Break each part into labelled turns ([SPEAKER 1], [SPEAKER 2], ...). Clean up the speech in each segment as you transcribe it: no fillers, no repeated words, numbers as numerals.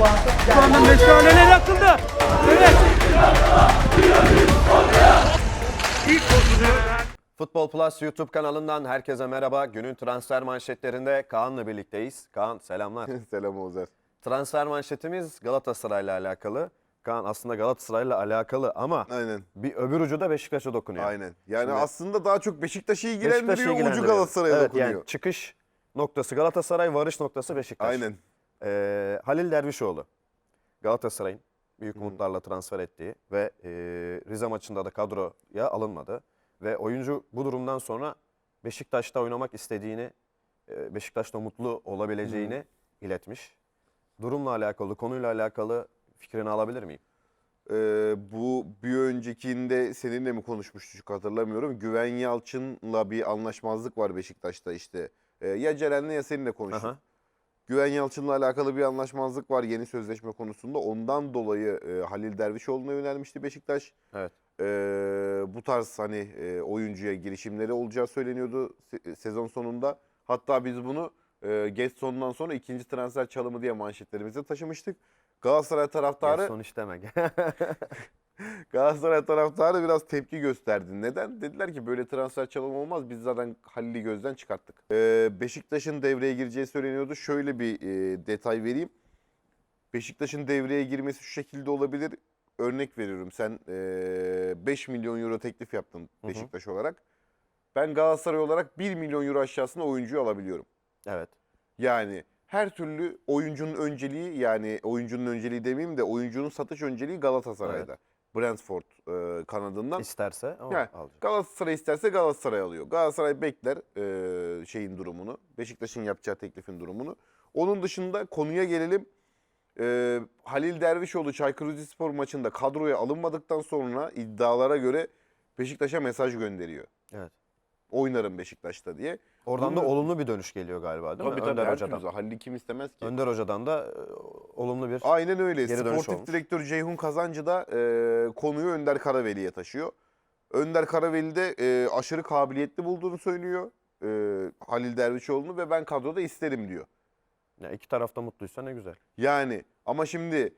[SPEAKER 1] Şu anda meşaleler yakıldı. Evet.
[SPEAKER 2] Futbol Plus YouTube kanalından herkese merhaba. Günün transfer manşetlerinde Kaan'la birlikteyiz. Kaan selamlar.
[SPEAKER 3] Selam Oğuzhan.
[SPEAKER 2] Transfer manşetimiz Galatasaray'la alakalı. Kaan aslında Galatasaray'la alakalı ama
[SPEAKER 3] Aynen.
[SPEAKER 2] bir öbür ucu da Beşiktaş'a dokunuyor.
[SPEAKER 3] Aynen. Yani
[SPEAKER 2] Şimdi
[SPEAKER 3] aslında daha çok Beşiktaş'ı
[SPEAKER 2] Beşiktaş'ı
[SPEAKER 3] ilgilendiriyor, ucu
[SPEAKER 2] ilgilendiriyor.
[SPEAKER 3] Galatasaray'a
[SPEAKER 2] Evet,
[SPEAKER 3] dokunuyor.
[SPEAKER 2] yani çıkış noktası Galatasaray, varış noktası Beşiktaş.
[SPEAKER 3] Aynen.
[SPEAKER 2] Halil Dervişoğlu Galatasaray'ın büyük umutlarla transfer ettiği ve Rize maçında da kadroya alınmadı. Ve oyuncu bu durumdan sonra Beşiktaş'ta oynamak istediğini, Beşiktaş'ta mutlu olabileceğini iletmiş. Durumla alakalı, konuyla alakalı fikrini alabilir miyim?
[SPEAKER 3] Bu bir öncekinde seninle mi konuşmuştuk hatırlamıyorum. Güven Yalçın'la bir anlaşmazlık var Beşiktaş'ta işte. Ya Ceren'le ya seninle konuştuk.
[SPEAKER 2] Aha.
[SPEAKER 3] Güven Yalçın'la alakalı bir anlaşmazlık var yeni sözleşme konusunda. Ondan dolayı Halil Dervişoğlu'na yönelmişti Beşiktaş.
[SPEAKER 2] Evet.
[SPEAKER 3] Bu tarz hani oyuncuya girişimleri olacağı söyleniyordu sezon sonunda. Hatta biz bunu geç sonundan sonra ikinci transfer çalımı diye manşetlerimize taşımıştık. Galatasaray taraftarı
[SPEAKER 2] Son iş demek.
[SPEAKER 3] Galatasaray taraftarı biraz tepki gösterdi. Neden? Dediler ki böyle transfer çalımı olmaz. Biz zaten Halil'i gözden çıkarttık. Beşiktaş'ın devreye gireceği söyleniyordu. Şöyle bir detay vereyim. Beşiktaş'ın devreye girmesi şu şekilde olabilir. Örnek veriyorum. Sen 5 milyon euro teklif yaptın Beşiktaş olarak. Ben Galatasaray olarak 1 milyon euro aşağısında oyuncuyu alabiliyorum.
[SPEAKER 2] Evet.
[SPEAKER 3] Yani her türlü oyuncunun önceliği, yani oyuncunun önceliği demeyeyim de oyuncunun satış önceliği Galatasaray'da. Brentford kanadından.
[SPEAKER 2] İsterse ama
[SPEAKER 3] Yani
[SPEAKER 2] alacak.
[SPEAKER 3] Galatasaray isterse Galatasaray alıyor. Galatasaray bekler şeyin durumunu, Beşiktaş'ın yapacağı teklifin durumunu. Onun dışında konuya gelelim. Halil Dervişoğlu Çaykur Rizespor maçında kadroya alınmadıktan sonra iddialara göre Beşiktaş'a mesaj gönderiyor.
[SPEAKER 2] Evet.
[SPEAKER 3] Oynarım Beşiktaş'ta diye.
[SPEAKER 2] Oradan da
[SPEAKER 3] Bunu-
[SPEAKER 2] olumlu bir dönüş geliyor galiba değil mi?
[SPEAKER 3] Tabii
[SPEAKER 2] Önder
[SPEAKER 3] her
[SPEAKER 2] Hoca'dan.
[SPEAKER 3] türlü. Halil'i kim istemez ki?
[SPEAKER 2] Önder Hoca'dan da olumlu bir
[SPEAKER 3] Aynen öyle.
[SPEAKER 2] geri dönüş
[SPEAKER 3] Sportif
[SPEAKER 2] olmuş.
[SPEAKER 3] direktör Ceyhun Kazancı da konuyu Önder Karaveli'ye taşıyor. Önder Karaveli de aşırı kabiliyetli bulduğunu söylüyor Halil Dervişoğlu'nu ve ben kadroda isterim diyor.
[SPEAKER 2] Ya iki tarafta mutluysa ne güzel.
[SPEAKER 3] Yani ama şimdi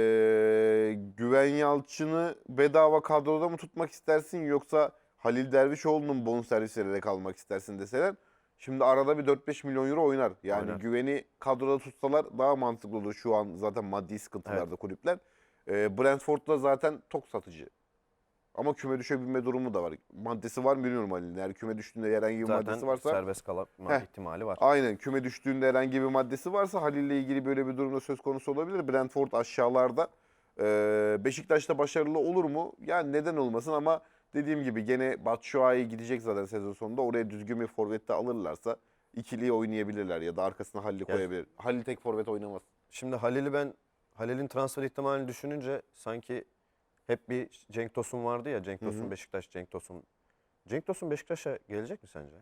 [SPEAKER 3] Güven Yalçın'ı bedava kadroda mı tutmak istersin yoksa Halil Dervişoğlu'nun bonservis vererek almak istersin deseler. Şimdi arada bir 4-5 milyon euro oynar. Yani
[SPEAKER 2] Oynar.
[SPEAKER 3] Güven'i kadroda tutsalar daha mantıklı olur. Şu an zaten maddi sıkıntılarda kulüpler. Brentford'da zaten tok satıcı. Ama küme düşebilme durumu da var. Maddesi var mı bilmiyorum Halil'in. Eğer küme düştüğünde herhangi bir maddesi
[SPEAKER 2] Zaten
[SPEAKER 3] varsa.
[SPEAKER 2] serbest kalma ihtimali var.
[SPEAKER 3] Aynen, küme düştüğünde herhangi bir maddesi varsa Halil'le ilgili böyle bir durumda söz konusu olabilir. Brentford aşağılarda. Beşiktaş'ta başarılı olur mu? Yani neden olmasın ama dediğim gibi gene Batshuayi gidecek zaten sezon sonunda. Oraya düzgün bir forvette alırlarsa ikiliyi oynayabilirler ya da arkasına Halil'i koyabilir. Halil tek forvet oynamaz.
[SPEAKER 2] Şimdi Halil'in transfer ihtimalini düşününce sanki hep bir Cenk Tosun vardı ya. Cenk Tosun Beşiktaş, Cenk Tosun. Cenk Tosun Beşiktaş'a gelecek mi sence?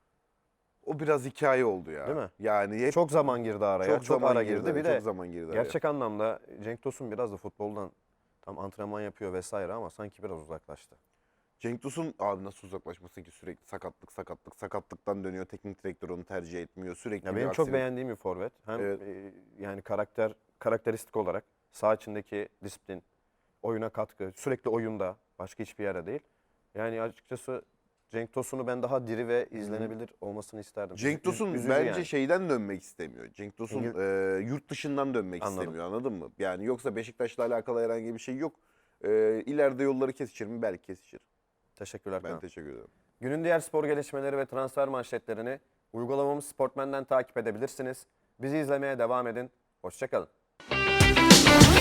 [SPEAKER 3] O biraz hikaye oldu ya.
[SPEAKER 2] Değil mi?
[SPEAKER 3] Yani hep
[SPEAKER 2] Çok zaman girdi araya. Çok
[SPEAKER 3] zaman
[SPEAKER 2] ara girdi. Bir
[SPEAKER 3] çok
[SPEAKER 2] de
[SPEAKER 3] zaman girdi araya.
[SPEAKER 2] gerçek anlamda Cenk Tosun biraz da futboldan tam antrenman yapıyor vesaire ama sanki biraz uzaklaştı.
[SPEAKER 3] Cenk Tosun abi nasıl uzaklaşmasın ki, sürekli sakatlıktan dönüyor. Teknik direktör onu tercih etmiyor. Sürekli
[SPEAKER 2] Ya
[SPEAKER 3] bir
[SPEAKER 2] benim çok
[SPEAKER 3] aksilik.
[SPEAKER 2] beğendiğim bir forvet. Hem
[SPEAKER 3] Evet.
[SPEAKER 2] yani karakteristik olarak saha içindeki disiplin, oyuna katkı, sürekli oyunda, başka hiçbir yere değil. Yani açıkçası Cenk Tosun'u ben daha diri ve izlenebilir olmasını isterdim.
[SPEAKER 3] Cenk Tosun
[SPEAKER 2] Üzücü
[SPEAKER 3] bence
[SPEAKER 2] yani.
[SPEAKER 3] şeyden dönmek istemiyor. Cenk Tosun yurt dışından dönmek
[SPEAKER 2] Anladım.
[SPEAKER 3] istemiyor, anladın mı? Yani yoksa Beşiktaş'la alakalı herhangi bir şey yok. İleride yolları kesişir mi? Belki kesişir.
[SPEAKER 2] Teşekkürler.
[SPEAKER 3] Ben
[SPEAKER 2] Kaan.
[SPEAKER 3] teşekkür ederim.
[SPEAKER 2] Günün diğer spor gelişmeleri ve transfer manşetlerini uygulamamız Sportmen'den takip edebilirsiniz. Bizi izlemeye devam edin. Hoşça kalın.